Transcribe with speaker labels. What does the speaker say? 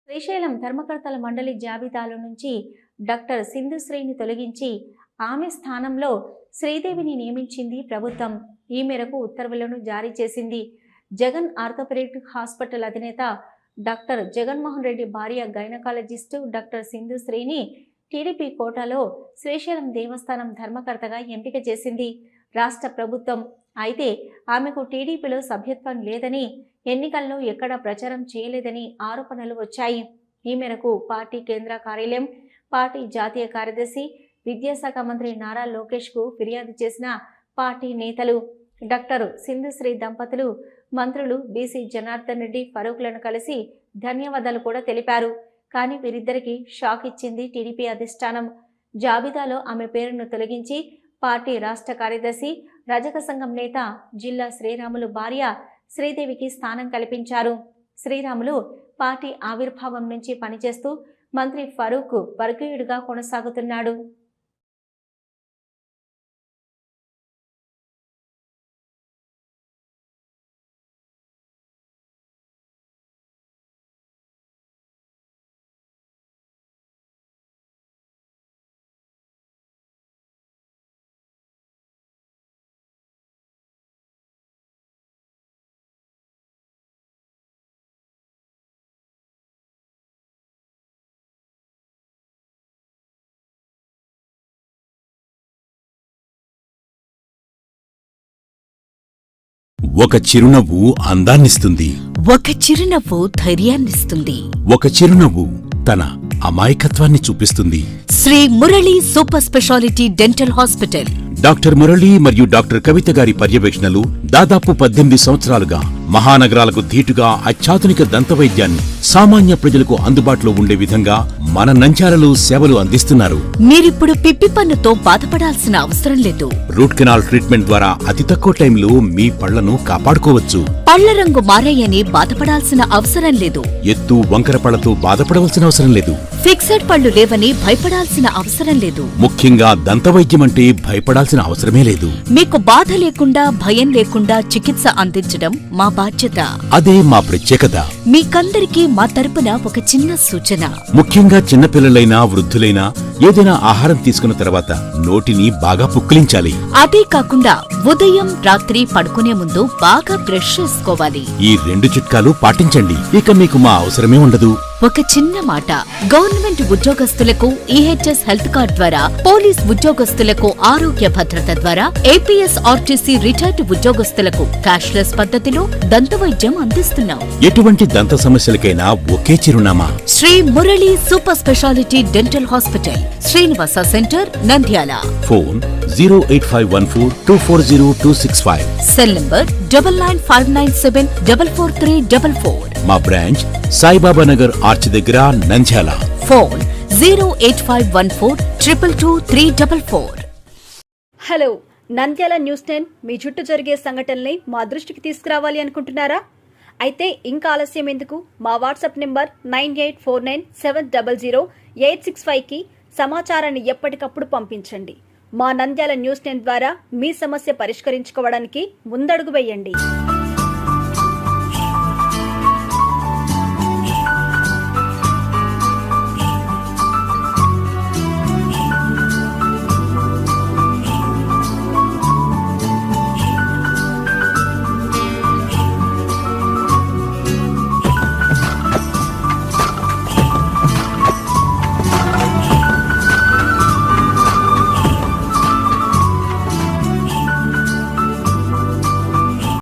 Speaker 1: శ్రీశైలం ధర్మకర్తల మండలి జాబితాలో నుంచి డాక్టర్ సింధుశ్రీని తొలగించి ఆమె స్థానంలో శ్రీదేవిని నియమించింది ప్రభుత్వం. ఈ మేరకు ఉత్తర్వులను జారీ చేసింది. జగన్ ఆర్థోపెడిక్ హాస్పిటల్ అధినేత డాక్టర్ జగన్మోహన్ రెడ్డి భార్య గైనకాలజిస్టు డాక్టర్ సింధుశ్రీని టీడీపీ కోటాలో శ్రీశైలం దేవస్థానం ధర్మకర్తగా ఎంపిక చేసింది రాష్ట్ర ప్రభుత్వం. అయితే ఆమెకు టీడీపీలో సభ్యత్వం లేదని, ఎన్నికల్లో ఎక్కడా ప్రచారం చేయలేదని ఆరోపణలు వచ్చాయి. ఈ మేరకు పార్టీ కేంద్ర కార్యాలయం, పార్టీ జాతీయ కార్యదర్శి, విద్యాశాఖ మంత్రి నారా లోకేష్కు ఫిర్యాదు చేసిన పార్టీ నేతలు డాక్టర్ సింధుశ్రీ దంపతులు మంత్రులు బీసీ జనార్దన్ రెడ్డి, ఫరూక్లను కలిసి ధన్యవాదాలు కూడా తెలిపారు. కానీ వీరిద్దరికీ షాక్ ఇచ్చింది టీడీపీ అధిష్టానం. జాబితాలో ఆమె పేరును తొలగించి పార్టీ రాష్ట్ర కార్యదర్శి, రజక సంఘం నేత జిల్లా శ్రీరాములు భార్య శ్రీదేవికి స్థానం కల్పించారు. శ్రీరాములు పార్టీ ఆవిర్భావం నుంచి పనిచేస్తూ మంత్రి ఫరూక్ వర్గీయుడిగా కొనసాగుతున్నాడు.
Speaker 2: ఒక చిరునవ్వు అందాన్నిస్తుంది.
Speaker 3: ఒక చిరునవ్వు ధైర్యాన్నిస్తుంది.
Speaker 2: ఒక చిరునవ్వు తన అమాయకత్వాన్ని చూపిస్తుంది.
Speaker 3: Sri Murali super speciality dental hospital.
Speaker 2: Doctor Murali మరియు డాక్టర్ కవిత గారి పర్యవేక్షణలు దాదాపు 18 సంవత్సరాలుగా మహానగరాలకు ధీటుగా అత్యాధునిక దంతవైద్యాన్ని సామాన్య ప్రజలకు అందుబాటులో ఉండే విధంగా మన నంద్యాలలో సేవలు అందిస్తున్నారు.
Speaker 3: మీరిప్పుడు పిప్పి పన్నుతో బాధపడాల్సిన అవసరం లేదు.
Speaker 2: రూట్ కెనాల్ ట్రీట్మెంట్ ద్వారా అతి తక్కువ టైంలో మీ పళ్లను కాపాడుకోవచ్చు.
Speaker 3: పళ్ల రంగు మారాయని బాధపడాల్సిన అవసరం లేదు.
Speaker 2: ఎత్తు వంకర పళ్లతో బాధపడవలసిన అవసరం లేదు.
Speaker 3: ఫిక్సెడ్ పళ్లు లేవని భయపడాల్సిన అవసరం లేదు.
Speaker 2: ముఖ్యంగా దంతవైద్యం అంటే భయపడాల్సిన అవసరమే లేదు.
Speaker 3: మీకు బాధ లేకుండా, భయం లేకుండా చికిత్స అందించడం మా బాధ్యత.
Speaker 2: అదే మా ప్రత్యేకత.
Speaker 3: మీకందరికీ మా తరపున ఒక చిన్న సూచన.
Speaker 2: ముఖ్యంగా చిన్నపిల్లలైనా వృద్ధులైనా ఏదైనా ఆహారం తీసుకున్న తర్వాత నోటిని బాగా పుక్కిలించాలి.
Speaker 3: అదే కాకుండా ఉదయం రాత్రి పడుకునే ముందు బాగా బ్రష్ చేసుకోవాలి.
Speaker 2: ఈ 2 చిట్కాలు పాటించండి, ఇక మీకు మా అవసరమే ఉండదు.
Speaker 3: ఒక చిన్న మాట, గవర్నమెంట్ ఉద్యోగస్తులకు ఈహెచ్ఎస్ హెల్త్ కార్డ్ ద్వారా, పోలీస్ ఉద్యోగస్తులకు ఆరోగ్య భద్రత ద్వారా, ఏపీఎస్ ఆర్టీసీ రిటైర్డ్ ఉద్యోగస్తులకు క్యాష్లెస్ పద్ధతిలో దంతవైద్యం అందిస్తున్నాం.
Speaker 2: ఎటువంటి దంత సమస్యలకైనా ఒకే చిరునామా,
Speaker 3: Sri Murali super speciality dental hospital, Srinivasa centre, Nandyal.
Speaker 2: Phone 08514240265.
Speaker 3: Cell number 9959744344.
Speaker 2: మా బ్రాంచ్ సాయిబాబా నగర్ ఆర్చ్ దగ్గర, Nandyal.
Speaker 3: Phone 08514222344.
Speaker 4: Hello, Nandyal news 10 మీ చుట్టూ జరిగే సంఘటనల్ని మా దృష్టికి తీసుకురావాలి అనుకుంటున్నారా? అయితే ఇంకా ఆలస్యం ఎందుకు? మా వాట్సాప్ నెంబర్ 9849700865కి సమాచారాన్ని ఎప్పటికప్పుడు పంపించండి. మా నంద్యాల న్యూస్ 10 ద్వారా మీ సమస్య పరిష్కరించుకోవడానికి ముందడుగు వేయండి.